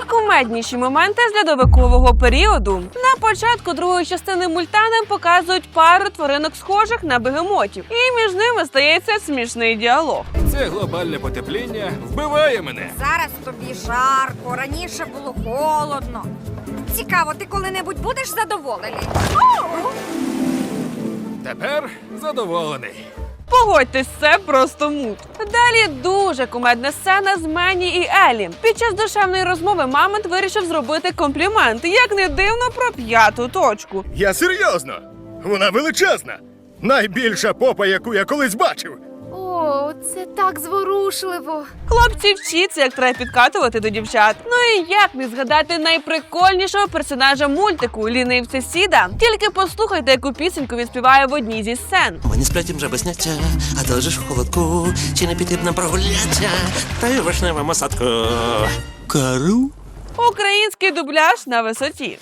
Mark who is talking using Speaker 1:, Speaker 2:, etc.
Speaker 1: Найкумедніші моменти з льодовикового періоду. На початку другої частини мульта нам показують пару тваринок схожих на бегемотів. І між ними стається смішний діалог.
Speaker 2: Це глобальне потепління вбиває мене.
Speaker 3: Зараз тобі жарко, раніше було холодно. Цікаво, ти коли-небудь будеш задоволений?
Speaker 2: Тепер задоволений.
Speaker 1: Погодьтесь, це просто мут. Далі дуже кумедна сцена з Мені і Елі. Під час душевної розмови Мамонт вирішив зробити комплімент, як не дивно, про п'яту точку.
Speaker 4: Я серйозно. Вона величезна. Найбільша попа, яку я колись бачив.
Speaker 5: О, це так зворушливо.
Speaker 1: Хлопці, вчіться, як треба підкатувати до дівчат. Ну і як не згадати найприкольнішого персонажа мультику лінивця Сіда. Тільки послухайте, яку пісеньку він співає в одній зі сцен.
Speaker 6: Ми не сплетім жаби сняття, а ти лежиш у холодку, чи не піти б нам прогуляття, та й у вишневому садку. Кару?
Speaker 1: Український дубляж на висоті.